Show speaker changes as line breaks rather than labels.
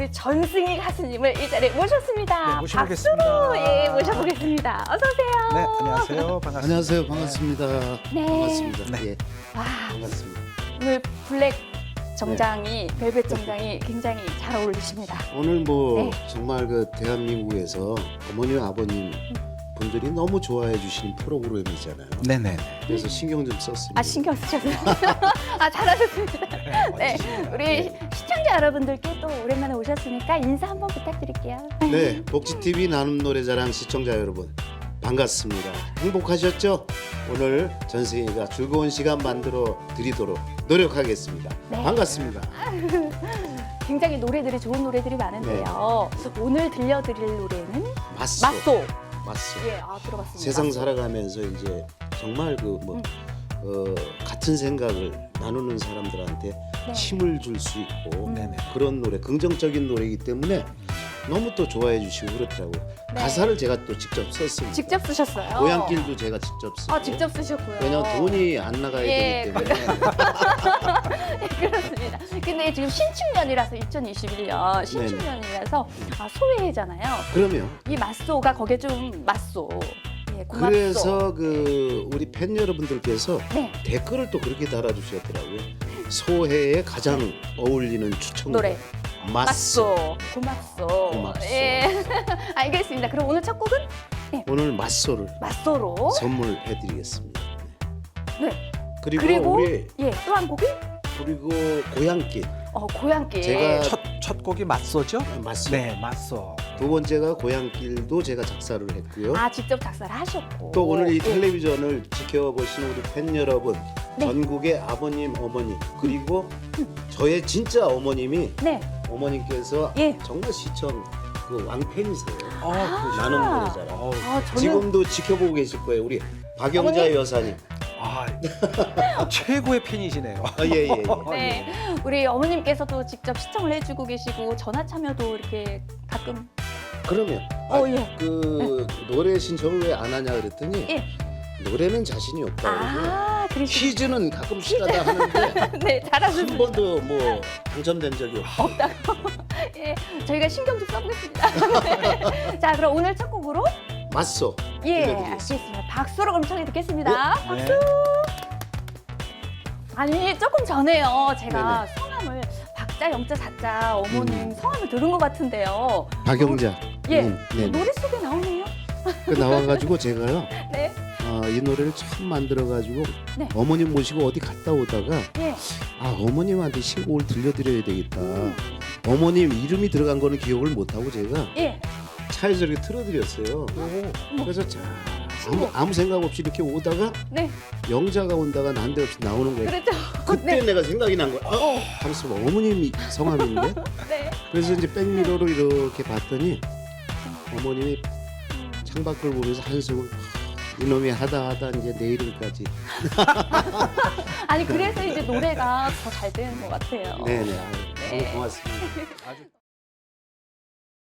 우리 전승희 가수님을 이 자리에 모셨습니다.
네, 모셔보겠습니다.
박수로 예, 모셔보겠습니다. 어서 오세요.
네, 안녕하세요. 반갑습니다.
안녕하세요. 반갑습니다.
네.
반갑습니다.
네.
예,
와,
반갑습니다.
오늘 블랙 정장이 벨벳 정장이 굉장히 잘 어울리십니다.
오늘 뭐
네.
정말 그 대한민국에서 어머니 아버님 분들이 너무 좋아해 주시는 프로그램이잖아요.
네네.
그래서 신경 좀 썼습니다.
아, 신경 쓰셨어요? 아, 잘하셨습니다. 네, 우리 시청자 여러분들께 또 오랜만에 오셨으니까 인사 한번 부탁드릴게요.
네, 복지TV 나눔 노래자랑 시청자 여러분 반갑습니다. 행복하셨죠? 오늘 전승희가 즐거운 시간 만들어 드리도록 노력하겠습니다.
네.
반갑습니다.
굉장히 노래들이 좋은 노래들이 많은데요. 오늘 들려드릴 노래는
맞소.
맞소.
맞소.
예, 아, 들어봤습니다.
세상 살아가면서 이제 정말 그 뭐 같은 생각을 나누는 사람들한테
네.
힘을 줄 수 있고
네네.
그런 노래, 긍정적인 노래이기 때문에 너무 또 좋아해 주시고 그렇더라고요.
네.
가사를 제가 또 직접 썼습니다.
직접 쓰셨어요?
고향길도 제가 직접 쓰고.
아, 직접 쓰셨고요.
왜냐면 돈이 안 나가야
예,
되기 때문에.
네, 그렇습니다. 근데 지금 신축년이라서 2021년 신축년이라서 아, 소외잖아요.
그러면
이 맞소가 거기에 좀 맞소. 예, 고맙소.
그래서 그 우리 팬 여러분들께서
네,
댓글을 또 그렇게 달아주셨더라고요. 소해에 가장 어울리는 추천곡
노래.
맞소.
고맙소.
고맙소.
예, 알겠습니다. 그럼 오늘 첫 곡은
오늘 맞소를
맞소로.
선물해드리겠습니다.
네.
그리고,
그리고
우리
예, 또 한 곡이
그리고 고향길
고향길.
제가
첫 곡이 맞소죠?
맞소.
네, 맞소.
두 번째가 고향길도 제가 작사를 했고요.
아, 직접 작사를 하셨고.
또 오늘 이
예.
텔레비전을 지켜보시는 우리 팬 여러분,
네.
전국의 아버님, 어머니 그리고 저의 진짜 어머님이
네.
어머님께서
예.
정말 시청 그 왕팬이세요.
그러시구나.
나눔 노래자랑.
아, 저는
지금도 지켜보고 계실 거예요. 우리 박영자
어머니?
여사님.
아, 최고의 팬이시네요.
예.
네. 우리 어머님께서도 직접 시청을 해주고 계시고 전화 참여도 이렇게 가끔.
그러면
예.
그 노래 신청을 왜 안 하냐 그랬더니
예.
노래는 자신이 없다.
아, 그러시.
퀴즈는 가끔씩 하다 하는데
네,
한
잘하셨습니다.
번도 뭐 당첨된 적이 없다.
예, 저희가 신경 좀 써보겠습니다. 네. 자, 그럼 오늘 첫 곡으로
맞소.
예,
들려드리겠습니다.
알겠습니다. 박수로 그럼 청해 듣겠습니다.
네.
아니, 조금 전에요. 제가 성함을 박자, 영자, 자자 어머님 성함을 들은 것 같은데요.
박영자.
예,
네.
노래 속에 나오네요.
그 나와가지고 제가요.
네,
이 노래를 처음 만들어가지고
네.
어머님 모시고 어디 갔다 오다가
예.
어머님한테 신곡을 들려드려야 되겠다. 어머님 이름이 들어간 거는 기억을 못하고 제가
예.
차에서 이렇게 틀어드렸어요. 그래서 자 아무 생각 없이 이렇게 오다가
네,
영자가 온다가 난데없이 나오는 거예요.
그랬죠.
그때
네.
내가 생각이 난 거야. 잠시만 어머님 성함인데?
네.
그래서 이제 백미러로 이렇게 봤더니 어머님이 창밖을 보면서 한숨을 이놈이 하다 이제 내일은까지.
아니, 그래서 이제 노래가 더 잘 되는 것 같아요.
네네.
네.
너무 고맙습니다.
아주